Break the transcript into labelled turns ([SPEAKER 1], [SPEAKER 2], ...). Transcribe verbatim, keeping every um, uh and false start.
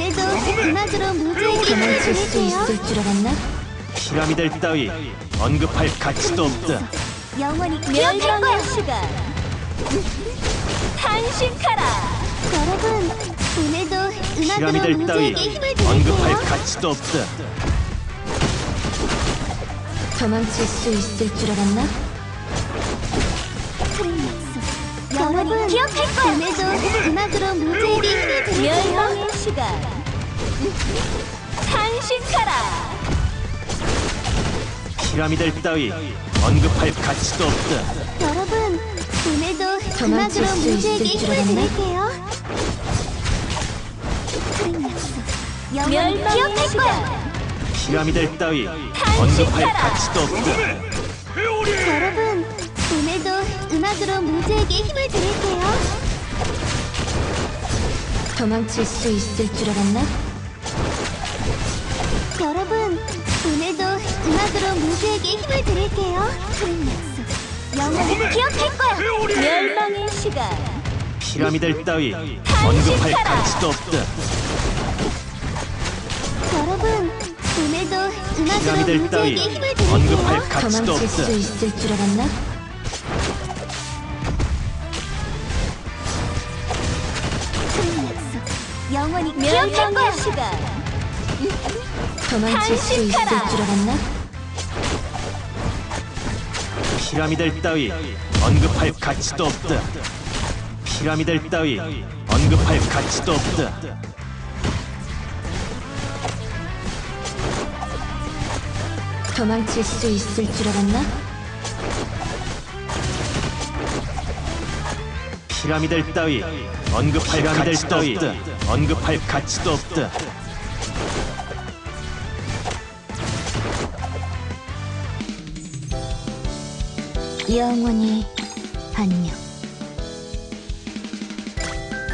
[SPEAKER 1] 오늘도 음악으로 무지에게 힘을
[SPEAKER 2] 도망칠 수
[SPEAKER 1] 드릴게요.
[SPEAKER 2] 있을 줄 알았나?
[SPEAKER 3] 피라미드 따위 언급할 가치도 없다.
[SPEAKER 1] 영원히 기억할 거야.
[SPEAKER 4] 멸망의 시간. 탄식하라.
[SPEAKER 1] 여러분, 오늘도 음악으로
[SPEAKER 3] 피라미드 따위
[SPEAKER 1] 무지에게 힘을
[SPEAKER 3] 언급할
[SPEAKER 1] 드릴게요.
[SPEAKER 3] 가치도 없다.
[SPEAKER 2] 도망칠 수 있을 줄 알았나?
[SPEAKER 1] 여러분, 기억할 거야. 오늘도 음악으로 무지에게 힘을 드릴게요.
[SPEAKER 4] 멸망의 시간. 탄식하라.
[SPEAKER 3] 피라미드 따위 언급할 가치도 없다.
[SPEAKER 1] 여러분, 오늘도
[SPEAKER 2] 도망칠
[SPEAKER 1] 음악으로
[SPEAKER 2] 수
[SPEAKER 1] 무지에게
[SPEAKER 2] 있을 줄
[SPEAKER 1] 힘을
[SPEAKER 2] 알았나?
[SPEAKER 1] 드릴게요. 영원히
[SPEAKER 4] 멸망의
[SPEAKER 1] 기억할 거야.
[SPEAKER 4] 시간.
[SPEAKER 3] 피라미드 따위
[SPEAKER 4] 탄식하라.
[SPEAKER 3] 언급할 가치도 없다.
[SPEAKER 1] 여러분, 오늘도 음악으로 무지에게 힘을 드릴게요.
[SPEAKER 2] 도망칠 수 있을 줄 알았나?
[SPEAKER 1] 여러분, 오늘도 음악으로 무지에게 힘을 드릴게요. 영원히 기억할 거야.
[SPEAKER 4] 멸망의 시간.
[SPEAKER 3] 피라미드 따위 언급할 가치도 없다.
[SPEAKER 1] 여러분, 오늘도 음악으로
[SPEAKER 3] 피라미드 따위
[SPEAKER 1] 무지에게 힘을
[SPEAKER 3] 언급할
[SPEAKER 1] 드릴게요.
[SPEAKER 3] 가치도
[SPEAKER 2] 도망칠
[SPEAKER 3] 없다.
[SPEAKER 2] 수 있을 줄 알았나?
[SPEAKER 1] 영원히 기억할 거야.
[SPEAKER 4] 멸망의 시간.
[SPEAKER 2] 도망칠 수 있을
[SPEAKER 4] 탄식하라.
[SPEAKER 2] 줄 알았나?
[SPEAKER 3] 피라미드 따위 언급할 가치도 없다. 피라미드 따위 언급할 가치도 없다.
[SPEAKER 2] 도망칠 수 있을 줄 알았나?
[SPEAKER 3] 피라미드 따위 언급할 가치도 없다. 언급할 가치도 없다.
[SPEAKER 2] 영원히 안녕.